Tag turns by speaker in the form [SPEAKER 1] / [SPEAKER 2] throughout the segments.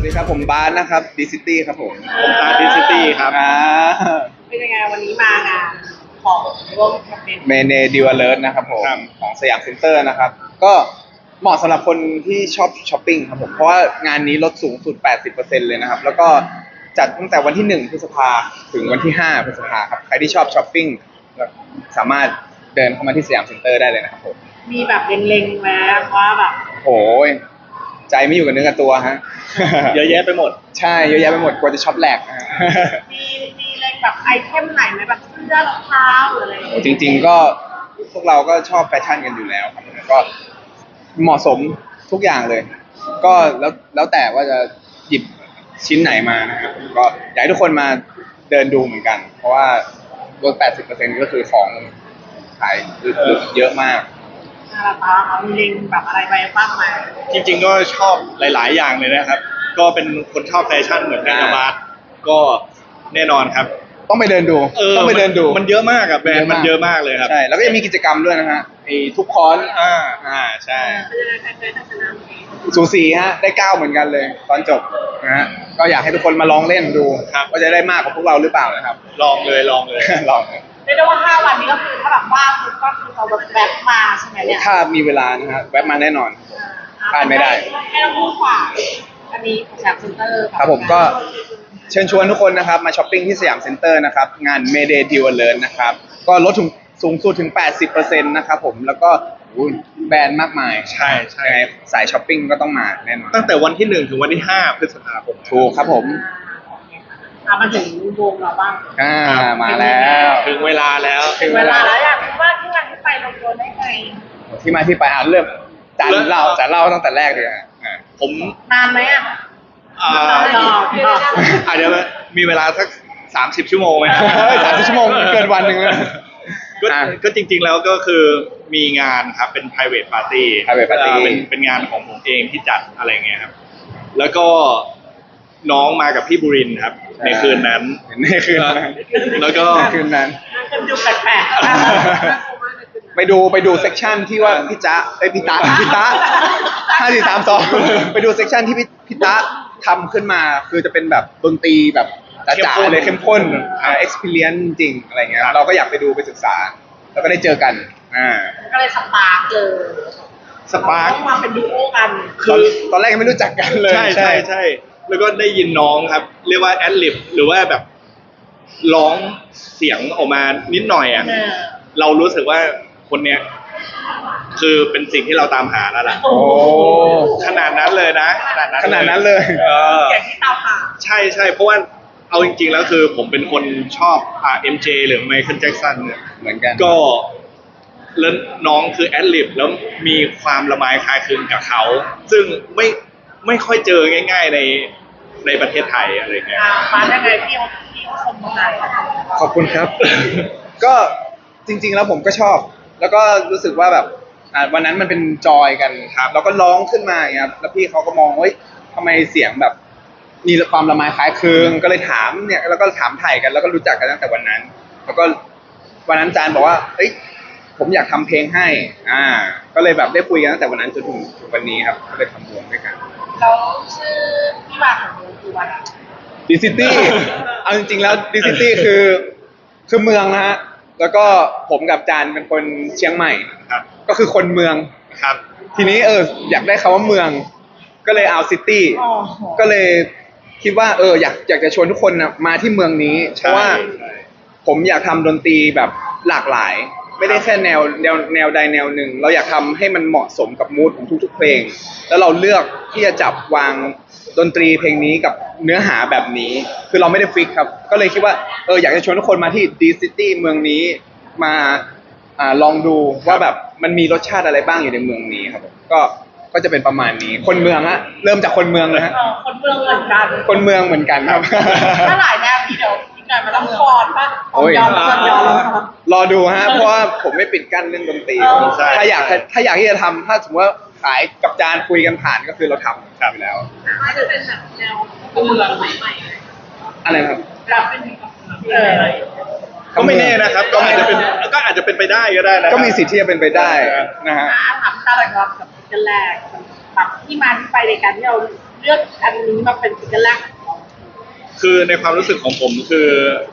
[SPEAKER 1] วัสดีครับผมบาสนะครับดีซิตี้ครับผม
[SPEAKER 2] ตาดิซิตี้ครับ
[SPEAKER 3] เป็นยังไงวันนี้มางานของร่วมแคมเปญ
[SPEAKER 1] เมเนดิวเลิร์นะครับผมของสยามเซ็นเตอร์นะครับก็เหมาะสำหรับคนที่ชอบช้อปปิ้งครับผมเพราะว่างานนี้ลดสูงสุด 80% เลยนะครับแล้วก็จัดตั้งแต่วันที่1 พฤษภาถึงวันที่5 พฤษภาครับใครที่ชอบช้อปปิ้งสามารถเดินเข้ามาที่สยามเซ็นเตอร์ได้เลยนะครับผม
[SPEAKER 3] มีแบบเล็งๆแล้วว่าแบบ
[SPEAKER 1] โอ้ยใจไม่อยู่กับเนื้อกับตัวฮะ
[SPEAKER 2] เยอะแยะไปหมด
[SPEAKER 1] ใช่เยอะแยะไปหมดกลัวจะช็อปแหลกนะฮะ
[SPEAKER 3] มีเล็งแบบไอเทมไหนไหมแบบเสื้อรองเท้าหรืออะไรอย่างเงี้ย
[SPEAKER 1] จริงๆก็พวกเราก็ชอบแฟชั่นกันอยู่แล้วครับก็เหมาะสมทุกอย่างเลย ก็แล้วแต่ว่าจะหยิบชิ้นไหนมานะครับก็อยากให้ทุกคนมาเดินดูเหมือนกัน เพราะว่าลด 80% ก็คือของขายเยอะมาก
[SPEAKER 3] ราคาเขามีเล็งแบบอะไรไปบ้างไหม
[SPEAKER 2] จริงๆก็ชอบหลายๆอย่างเลยนะครับก็เป็นคนชอบแฟชั่นเหมือนกันนะบาสก็แน่นอนครับ
[SPEAKER 1] ต้องไปเดินดูต้องไปเดินดู
[SPEAKER 2] มันเยอะมากอะแบรนด์มันเยอะมากเลยครับ
[SPEAKER 1] ใช่แล้วก็ยังมีกิจกรรมด้วยนะฮะไอ้ทุกคอน
[SPEAKER 2] ใช่
[SPEAKER 1] สูสีฮะได้9เหมือนกันเลยตอนจบนะฮะก็อยากให้ทุกคนมาลองเล่นดูว่าจะได้มากกว่าพวกเราหรือเปล่านะครับ
[SPEAKER 2] ลองเลยลอง
[SPEAKER 3] เรียกได้ว่า5 วันนี้ก็คือถ้าแบบว่างก็คือเราแวะมาใช่ไหมเนี่ย
[SPEAKER 1] ถ้ามีเวลานะฮะแวะมาแน่นอนพลาดไม่ได้
[SPEAKER 3] ให้เราพูดกว่าอันนี้สยามเซ็นเตอร์
[SPEAKER 1] ครับผมก็เชิญชวนทุกคนนะครับมาช้อปปิ้งที่สยามเซ็นเตอร์นะครับงาน Mayday Deal Alert นะครับก็ลดถึงสูงสุดถึง 80% นะครับผมแล้วก็แบรนด์มากมาย
[SPEAKER 2] ใช่
[SPEAKER 1] สายช้อปปิ้งก็ต้องมาแน่นอน
[SPEAKER 2] ตั้งแต่วันที่1ถึงวันที่5 พฤษภาคม
[SPEAKER 1] ถูกครับผม
[SPEAKER 3] มาถึงวงเราบ้าง
[SPEAKER 1] มาแล้ว
[SPEAKER 2] ถึงเวลาแล้ว
[SPEAKER 3] อยากรู้ว่าที่มาที่ไปลงตัวได้ไง
[SPEAKER 1] ที่มาที่ไปเริ่มจานเล่าตั้งแต่แรกเลย
[SPEAKER 2] ผม
[SPEAKER 3] นานไหม
[SPEAKER 2] อาจจะมีเวลาสัก30 ชั่วโมงไหม
[SPEAKER 1] 30 ชั่วโมงเกินวันหนึ่งเลย
[SPEAKER 2] ก็จริงๆแล้วก็คือมีงานครับเป็น private party เป็นงานของผมเองที่จัดอะไรเงี้ยครับแล้วก็น้องมากับพี่บุรินทร์ครับในคืนนั้นแล้วก็
[SPEAKER 1] คืนนั้น
[SPEAKER 3] ดูแปลก
[SPEAKER 1] ๆไปดูเซกชันที่ว่าพี่ตา5 4 3 2ไปดูเซกชันที่พี่ตาทำขึ้นมาคือจะเป็นแบบดนตรีแบบจ๋าๆเลยเข้มข้นexperience จริงอะไรเงี้ยเราก็อยากไปดูไปศึกษาแล้วก็ได้เจอกัน
[SPEAKER 3] ก็เลยสปาร์กมาเป็นดูโอกัน
[SPEAKER 1] คือตอนแรกยังไม่รู้จักกันเลย
[SPEAKER 2] ใช่แล้วก็ได้ยินน้องครับเรียกว่าแอดลิปหรือว่าแบบร้องเสียงออกมานิดหน่อยเรารู้สึกว่าคนเนี้ยคือเป็นสิ่งที่เราตามหาแล้วล่ะขนาดนั้นเลยนะ
[SPEAKER 1] ขนาดนั้นเลย
[SPEAKER 3] อย่างที่ตามหา
[SPEAKER 2] ใช่เพราะว่าเอาจริงๆแล้วคือผมเป็นคนชอบMJ หรือไมเคิลแจ็คสันเนี่ย
[SPEAKER 1] เหมือนกัน
[SPEAKER 2] ก็แล้วน้องคือแอดลิปแล้วมีความละไมคล้ายคลึงกับเขาซึ่งไม่ค่อยเจอง่ายๆในประเทศไทยอะไรเงี้ย
[SPEAKER 3] มาได้ไงพี่ชมมา
[SPEAKER 1] ขอบคุณครับ ก็จริงๆแล้วผมก็ชอบแล้วก็รู้สึกว่าแบบวันนั้นมันเป็นจอยกันครับแล้วก็ร้องขึ้นมาอย่างเงี้ยแล้วพี่เขาก็มองว่าทำไมเสียงแบบมีความละไมคล้ายคลึงก็เลยถามเนี่ยแล้วก็ถามไถ่กันแล้วก็รู้จักกันตั้งแต่วันนั้นแล้วก็วันนั้นจานบอกว่าเฮ้ยผมอยากทำเพลงให้ก็เลยแบบได้คุยกันตั้งแต่วันนั้นจนถึงวันนี้ครับก็เลยทำวงด้วยกัน
[SPEAKER 3] แล้วชื่อที่มาของวงคือว่า
[SPEAKER 1] ดิซิตี้เอาจริงๆแล้วดิซิตี้คือเมืองนะฮะแล้วก็ผมกับจานเป็นคนเชียงใหม่
[SPEAKER 2] ครับ
[SPEAKER 1] ก็คือคนเมือง
[SPEAKER 2] ครับ
[SPEAKER 1] ทีนี้อยากได้คำว่าเมืองก็เลยเอาซิตี้ก็เลยคิดว่าอยากจะชวนทุกคนมาที่เมืองนี้เพราะว่าผมอยากทำดนตรีแบบหลากหลายไม่ได้แค่แนวใดแนวหนึ่งเราอยากทำให้มันเหมาะสมกับมูดของทุกๆเพลงแล้วเราเลือกที่จะจับวางดนตรีเพลงนี้กับเนื้อหาแบบนี้คือเราไม่ได้ฟิกครับก็เลยคิดว่าอยากจะชวนทุกคนมาที่ดีซิตี้เมืองนี้มาลองดูว่าแบบมันมีรสชาติอะไรบ้างอยู่ในเมืองนี้ครับก็จะเป็นประมาณนี้คนเมืองฮะเริ่มจากคนเมืองเลยฮะ
[SPEAKER 3] คนเมืองเหมือนกัน
[SPEAKER 1] คนเมืองเหมือนกันครับ
[SPEAKER 3] ถ้าหลายแนวนี้เดี๋ยวพี่กายมาต้องฟอนป่ะย้อน
[SPEAKER 1] รอดูฮะเพราะว่าผมไม่ปิดกั้นเรื่องดนตรีถ้าอยากที่จะทำถ้าสมมติว่าขายกับจานคุยกันผ่านก็คือเราทำอยู่แล้ว
[SPEAKER 3] อาจจะเป็นแบบแนวเมืองใหม่
[SPEAKER 1] อะไรครับ
[SPEAKER 3] แบบเป็น
[SPEAKER 2] ก็ไม่แน่นะครับก็อาจจะเป็นไปได้ก็ได้นะ
[SPEAKER 1] ก็มีสิทธิ์ที่จะเป็นไปได้นะฮะ
[SPEAKER 3] ถามตาหลักๆกับกันแรกแบบที่มาที่ไปในการที่เราเลือกอันนี้มาเป็นซิงเกิลแรกของเรา
[SPEAKER 2] คือในความรู้สึกของผมคือ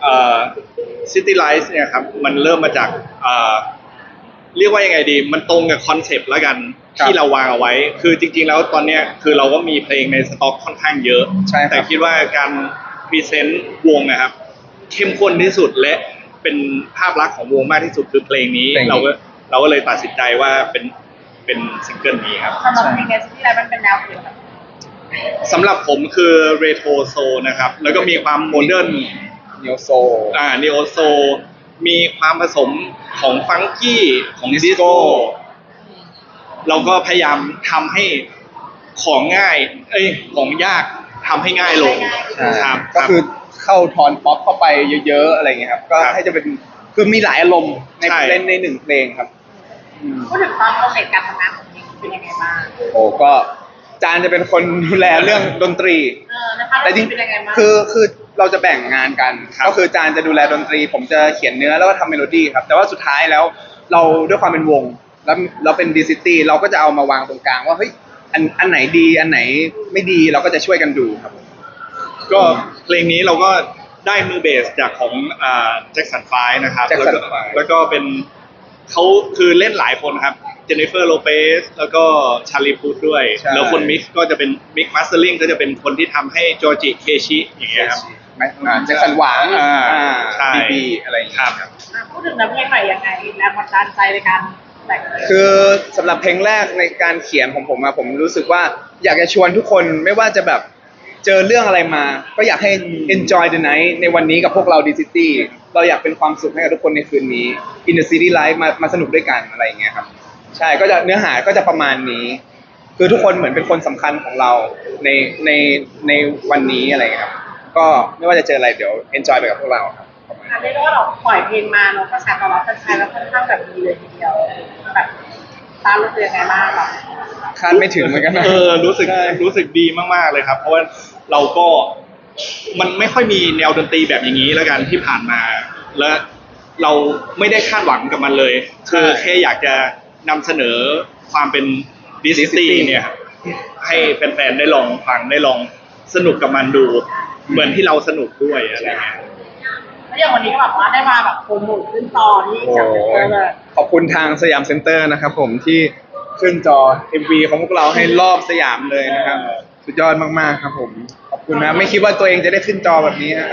[SPEAKER 2] City Lights เนี่ยครับมันเริ่มมาจากเรียกว่ายังไงดีมันตรงกับคอนเซปต์แล้วกัน
[SPEAKER 1] ครับ
[SPEAKER 2] ที่เราวางเอาไว้ คือจริงๆแล้วตอนเนี้ยคือเราก็มีเพลงในสต็อกค่อนข้างเยอะ
[SPEAKER 1] ใช่ครับ
[SPEAKER 2] แต่คิดว่าการพรีเซนต์วงนะครับ เข้มข้นที่สุดและเป็นภาพลักษณ์ของวงมากที่สุดคือเพลงนี้
[SPEAKER 1] เพลงนี้
[SPEAKER 2] เราก็เลยตัดสินใจว่าเป็นซิงเกิลนี้ครับ
[SPEAKER 3] สำหรับเพลงในที่ไรมันเป็นแนวเพลงแบบ
[SPEAKER 2] สำหรับผมคือเรโทรโซนะครับ แล้วก็มีความโมเดิร์น
[SPEAKER 1] เนียวโซ
[SPEAKER 2] นีโอโซ มีความผสมของฟังกี้ของดิสโก้ เราก็พยายามทำให้ของง่าย ของยากทำให้ง่ายลง ครับ
[SPEAKER 1] ก็คือเข้าทอนป๊อปเข้าไปเยอะๆอะไรเงี้ยครับ ก็
[SPEAKER 2] ครับ
[SPEAKER 1] ให้จะเป็นคือมีหลายอารมณ์ใน
[SPEAKER 2] ใช่
[SPEAKER 1] เล่นในหนึ่งเพลงครับอืม
[SPEAKER 3] พูดถึงความโปรเซสการทำงานของเพลงเป็นยังไงบ้าง
[SPEAKER 1] โอ้ก็จานจะเป็นคนดูแลเรื่องดนตรี
[SPEAKER 3] นะคะ
[SPEAKER 1] แต่จริง
[SPEAKER 3] เป็นยังไงบ้าง
[SPEAKER 1] คือเราจะแบ่งงานกัน
[SPEAKER 2] ครับ
[SPEAKER 1] ก็คือจานจะดูแลดนตรี ผมจะเขียนเนื้อแล้วก็ทำเมโลดี้ครับ แต่ว่าสุดท้ายแล้วเราด้วยความเป็นวง แล้วเราเป็นดีซิตี้เราก็จะเอามาวางตรงกลางว่าเฮ้ยอันไหนดีอันไหนไม่ดีเราก็จะช่วยกันดูครับ
[SPEAKER 2] ก็เพลงนี้เราก็ได้มือเบสจากของแจ็คสันไฟนะครับ
[SPEAKER 1] Jackson
[SPEAKER 2] แล้วก็เป็นเขาคือเล่นหลายคนครับเจนนิเฟอร์โลเปสแล้วก็ชาลีพูดด้วย
[SPEAKER 1] ใช่
[SPEAKER 2] แล้วคนมิกซ์ก็จะเป็นมิกมาสเตอร์ลิงก็จะเป็นคนที่ทำให้จอร์จิเคชิอย่างเงี้ยครับ
[SPEAKER 1] แจ็คสันหวัง
[SPEAKER 2] ใช่
[SPEAKER 1] บีอะไรอย่างเงี้ย
[SPEAKER 2] ครับ
[SPEAKER 3] พูดถึงน้ำเพลงหน่อยยังไงแรงบันดาลใจในการแต่งเพลง
[SPEAKER 1] คือสำหรับเพลงแรกในการเขียนของผมอะผมรู้สึกว่าอยากจะชวนทุกคนไม่ว่าจะแบบเจอเรื่องอะไรมา ก็อยากให้ enjoy the night ในวันนี้กับพวกเราดีซิตี้เราอยากเป็นความสุขให้กับทุกคนในคืนนี้ in the city life มาสนุกด้วยกันอะไรอย่างเงี้ยครับใช่ก็จะเนื้อหาก็จะประมาณนี้ คือทุกคนเหมือนเป็นคนสำคัญของเราในในวันนี้อะไรอย่างเงี้ยครับก็ไม่ว่าจะเจออะไรเดี๋ยว enjoy ไปกับพวกเราครับประมาณ
[SPEAKER 3] อัน
[SPEAKER 1] นี้
[SPEAKER 3] นี้ก็เราปล่อยเพลงมาเนาะกระแสตอบรับแฟนๆแล้วค่อนข้างแบบดีเลยทีเดียวแบบตามรู้สึกยังไงบ้างแบบ
[SPEAKER 1] คาดไม่ถึงเหมือนกันนะ
[SPEAKER 2] รู้สึกดีมากๆเลยครับ เพราะว่าเราก็มันไม่ค่อยมีแนวดนตรีแบบอย่างนี้แล้วกันที่ผ่านมา และเราไม่ได้คาดหวังกับมันเลย
[SPEAKER 1] ใช่
[SPEAKER 2] คือแค่อยากจะนำเสนอความเป็นดิสตี้เนี่ยครับให้แฟนๆได้ลองฟังได้ลองสนุกกับมันดู เหมือนที่เราสนุกด้วยอะไรเงี้ย
[SPEAKER 3] แล้วอย่างวันนี้ก็แบบว่าได้มาแบบโปรโมทขึ้นตอนที่
[SPEAKER 1] โอ้
[SPEAKER 3] จากเซ็นเตอร์เลย
[SPEAKER 1] ขอบคุณทางสยามเซ็นเตอร์นะครับผมที่ขึ้นจอ MV ของพวกเราให้รอบสยามเลยนะครับ สุดยอดมากๆครับผม ขอบคุณนะไม่คิดว่าตัวเองจะได้ขึ้นจอแบบนี้ฮะ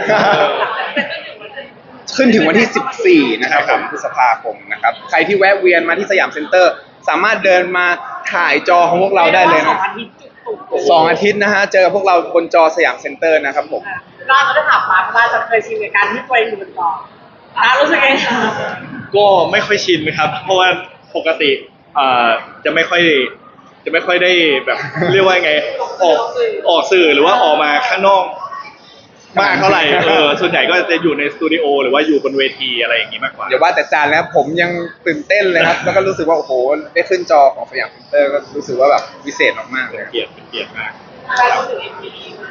[SPEAKER 1] ขึ้นถึงวันที่ 14 นะครับผมพฤษภาคมนะครับ ใครที่แวะเวียนมาที่สยามเซ็นเตอร์ สามารถเดินมาถ่ายจอของพวกเราได้เลย
[SPEAKER 3] สอ
[SPEAKER 1] นะ
[SPEAKER 3] งอาทิตย์จุกๆ
[SPEAKER 1] สองอาทิตย์นะฮะ เจอพวกเราบนจอสยามเซ็นเตอร์นะครับผม
[SPEAKER 3] เราจะได้ถามมาว่าจะเคยชินกับการที่ตัวเองอยู่บนจอรู้สึกยังไง
[SPEAKER 2] ก็ไม่ค่อยชินครับ เพราะว่าปกติจะไม่ค่อยได้แบบ เรียกว่าไงออกสื่อหรือว่าออกมาข้างนอกมากเท่าไหร่ส่วนใหญ่ก็จะอยู่ในสตูดิโอหรือว่าอยู่บนเวทีอะไรอย่างนี้มากกว่า
[SPEAKER 1] อย่าว่าแต่จานแล้วผมยังตื่นเต้นเลยครับ แล้วก็รู้สึกว่าโอ้โหได้ขึ้นจอของสยามเซ็นเตอร์ก็รู้สึกว่าแบบวิเศษมากๆเลย
[SPEAKER 2] เป็นเกียรติมาก
[SPEAKER 3] เรารู้สึกเอ็มวี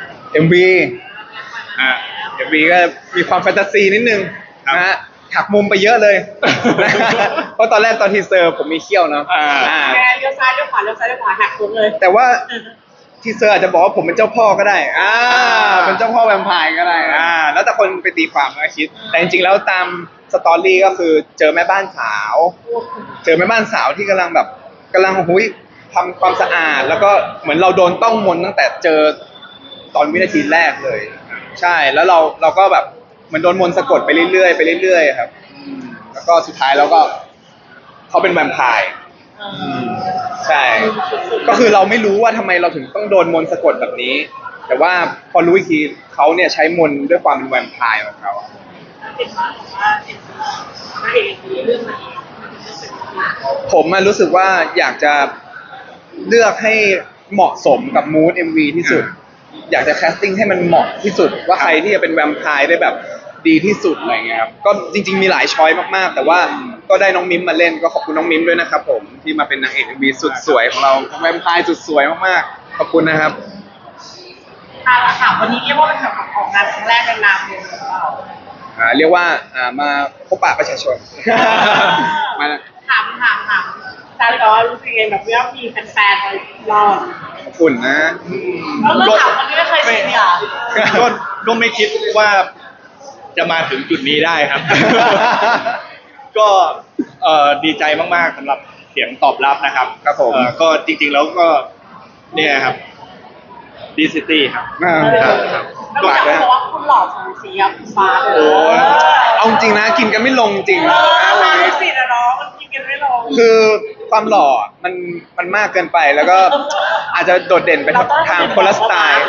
[SPEAKER 1] MV
[SPEAKER 2] อ่ะ
[SPEAKER 1] MV ก็มีความแฟนตาซีนิดนึง
[SPEAKER 2] ครับ
[SPEAKER 1] นะฮะหักมุมไปเยอะเลย เพราะตอนแรกตอนทีเซอร์ผมมีเขี้ยวเนาะ
[SPEAKER 2] อ่า
[SPEAKER 3] แกเลี้ยวซ้ายเลี้ยวขวาเลี้ยวซ้ายเลี้ยวขวาหักตัวเลย
[SPEAKER 1] แต่ว่าทีเซอร์อาจจะบอกว่าผมเป็นเจ้าพ่อก็ได้เป็นเจ้าพ่อแวมไพร์ก็ได้แล้วแต่คนไปตีความก็คิด แต่จริงๆแล้วตามสตอรี่ก็คือเจอแม่บ้านสาว เจอแม่บ้านสาวที่กำลังหุยทำความสะอาด แล้วก็เหมือนเราโดนต้องมนต์ตั้งแต่เจอตอนวินาทีแรกเลย ใช่แล้วเราก็แบบเหมือนโดนมนต์สะกดไปเรื่อยๆไปเรื่อยๆครับแล้วก็สุดท้ายเราก็เขาเป็นแวมไพร์ใช่ ก็คือเราไม่รู้ว่าทำไมเราถึงต้องโดนมนต์สะกดแบบนี้ แต่ว่าพอรู้อีกทีเขาเนี่ยใช้มนต์ด้วยความเป็นแวมไพร์ของเขา
[SPEAKER 3] เป็นว่าเป็นพระเอกเรื่องนี้
[SPEAKER 1] ผมรู้สึกว่าอยากจะเลือกให้เหมาะสมกับมูด MV ที่สุด อยากจะแคสติ้งให้มันเหมาะที่สุด ว่าใครที่จะเป็นแวมไพร์ได้แบบดีที่สุดอะไรเงี้ยครับก็จริงๆมีหลายช้อยมากๆ แต่ว่าก็ได้น้องมิมมาเล่นก็ขอบคุณน้องมิมด้วยนะครับผมที่มาเป็นนางเอก MV สุดสวยของเราแวมไพร์สุดสวยมากๆขอบคุณนะครับ
[SPEAKER 3] ค่ะวันนี้เรียกว่าเป็นแบบของงานครั้งแรกในนามวงของเรา
[SPEAKER 1] เรียกว่ามาพบปะประชาชน มา
[SPEAKER 3] ถามจาเลยว่ารู้สึกยังไงแบบว่ามีแฟนๆมารอ
[SPEAKER 1] อุ่นนะ
[SPEAKER 3] แล้วเราถามคนที่ไม่เคยชิมอ่ะ
[SPEAKER 2] ก็ก็ไม่คิดว่าจะมาถึงจุดนี้ได้ครับ ก็ดีใจมากๆสำหรับเสียงตอบรับนะครับ
[SPEAKER 1] ครับผม
[SPEAKER 2] ก็จริงๆแล้วก็เนี่ยครับดีซิตี้ครับ
[SPEAKER 1] อ่า
[SPEAKER 2] ครับ
[SPEAKER 3] แล้วอยากบอกว่าคุณหล่อสูสีกับคุณฟ้าเลย
[SPEAKER 2] โอ้ย
[SPEAKER 1] เอาจริงนะกินกันไม่ลงจริง
[SPEAKER 3] เอ
[SPEAKER 1] นะ
[SPEAKER 3] อ
[SPEAKER 1] วัน
[SPEAKER 3] มา
[SPEAKER 1] นี้
[SPEAKER 3] สินะน้องมันกินกันไม่ลง
[SPEAKER 1] คือความหล่อมันมากเกินไปแล้วก็อาจจะโดดเด่นไปทางคนละสไตล์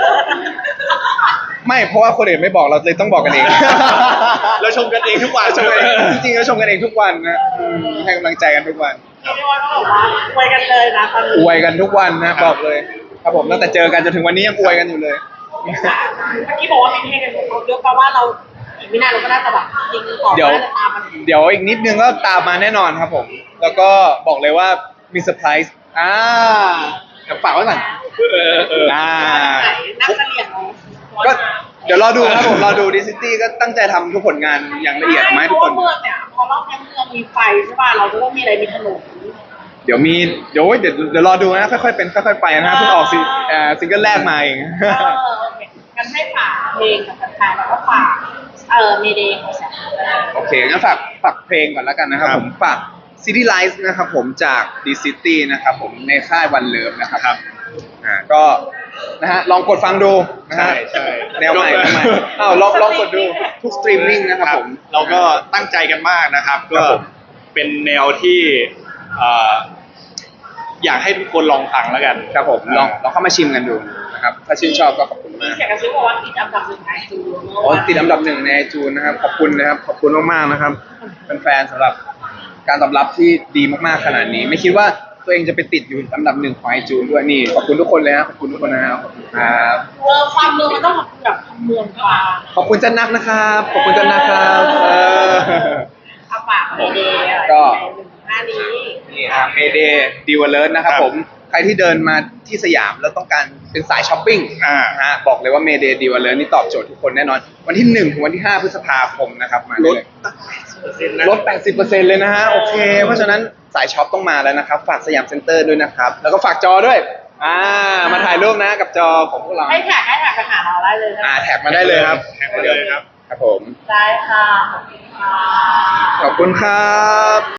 [SPEAKER 1] ไม่เพราะว่าคนอื่นไม่บอกเราเลยต้องบอกกันเอง
[SPEAKER 2] เราชมกันเองทุกวัน
[SPEAKER 1] ชมกันเองจริงๆก็ชมกันเองทุกวันนะให้กำลังใจกันทุกวัน
[SPEAKER 3] เรียกได้ว่าต้องบอกว่าอวยกันเลยนะตอนนี้
[SPEAKER 1] อวยกันทุกวันนะบอกเลยครับผมตั้งแต่เจอกันจนถึงวันนี้ยังอวยกันอยู่เลย
[SPEAKER 3] เมื่อกี้บอกว่าเป็นเทกันเยอะแปลว่าเราอีกไม่นานเราก็น่าจะแบบจริงต่อ
[SPEAKER 1] เดี๋ยว
[SPEAKER 3] น่าจะตามมัน
[SPEAKER 1] เดี๋ยวอีกนิดนึงก็ตามมาแน่นอนครับผม แล้วก็บอกเลยว่ามีเซอร์ไพรส์เดี๋ยวฝากไว้ก่อน
[SPEAKER 3] นักเสลี่ยงเนาะ
[SPEAKER 1] ก็เดี๋ยวรอดูครับผมรอดูดิซิตี้ก็ตั้งใจทำทุกผลงานอย่างละเอียดออกมาให้ทุกคน
[SPEAKER 3] เพราะว่าเมืองเนี่ยพอรอบนี้เมืองมีไฟใช่ป่ะเราจะต้องมีอะไรมีถนน
[SPEAKER 1] เดี๋ยวรอดูนะค่อยๆเป็นค่อยๆไปนะเพิ่งออกซิงเกิลแรกมาเอง
[SPEAKER 3] โอเคงั้นให้ฝากเพลงกับแฟนๆแล้วก็ฝากเมเดย์ของแสง
[SPEAKER 1] โอเคงั้นฝากเพลงก่อนแล้วกันนะครับ
[SPEAKER 2] ครับ
[SPEAKER 1] ผมฝาก City Lights นะครับผมจาก D City นะครับผมในค่ายวันเลิฟนะครับ
[SPEAKER 2] ครับ
[SPEAKER 1] ก็นะฮะลองกดฟังดูนะฮะ
[SPEAKER 2] ใช่
[SPEAKER 1] แนวใหม่ลองกดดูทุกสตรีมมิ่งนะครับผม
[SPEAKER 2] เราก็ตั้งใจกันมากนะครับ
[SPEAKER 1] ครั
[SPEAKER 2] ก็
[SPEAKER 1] บผม
[SPEAKER 2] เป็นแนวที่อยากให้ทุกคนลองฟังแล้วกัน
[SPEAKER 1] ครับผมลองเข้ามาชิมกันดูนะครับถ้าชื่นชอบก็ขอบคุณ
[SPEAKER 3] มี
[SPEAKER 1] มาก
[SPEAKER 3] เสียงกระซิบบอกว่าติดอันดับหนึ่งไอจูน
[SPEAKER 1] อ๋อติดอันดับหนึ่งในไอจูนนะครับขอบคุณนะครับขอบคุณมากๆนะครับเป็นแฟนๆสำหรับการตอบรับที่ดีมากๆขนาดนี้ ไม่คิดว่าตัวเองจะไปติดอยู่อันดับหนึ่งของไอจูนด้วยนี่ขอบคุณทุกคนเลยนะขอบคุณทุกคนนะครับขอบคุณครับ
[SPEAKER 3] ความเมืองมันต้องแบบเมืองกลาง
[SPEAKER 1] ขอบคุณจันนักนะครับขอบคุณจันนักครับ
[SPEAKER 3] เอาฝากเมเดย์อะไร
[SPEAKER 1] ก็
[SPEAKER 3] ใน1-5นี้
[SPEAKER 1] นี่ครับเมเดย์ดีวอลเลอร์นะครับ
[SPEAKER 2] ครับ
[SPEAKER 1] ผมใครที่เดินมาที่สยามแล้วต้องการเป็นสายช้อปปิ้ง นะฮะบอกเลยว่าเมเดย์ดีวอลเลอร์นี่ตอบโจทย์ทุกคนแน่นอน วันที่ 1 ถึงวันที่ 5 พฤษภาคมนะครับมา
[SPEAKER 2] ล
[SPEAKER 1] ได้
[SPEAKER 2] ด
[SPEAKER 1] เลยลด 80%เลยนะฮะโอเค เพราะฉะนั้นสายช็อปต้องมาแล้วนะครับ ฝากสยามเซ็นเตอร์ด้วยนะครับ แล้วก็ฝากจอด้วยมาถ่ายรูปนะกับจอของพวกเรา
[SPEAKER 3] ให้แท็กไปหาเราได้เลยนะ
[SPEAKER 1] แท็กมาได้เลยครับ
[SPEAKER 2] แท็กมาเลยครับ
[SPEAKER 1] ครับผม
[SPEAKER 3] ได้ค่ะขอบคุณค่ะ
[SPEAKER 1] ขอบคุณครับ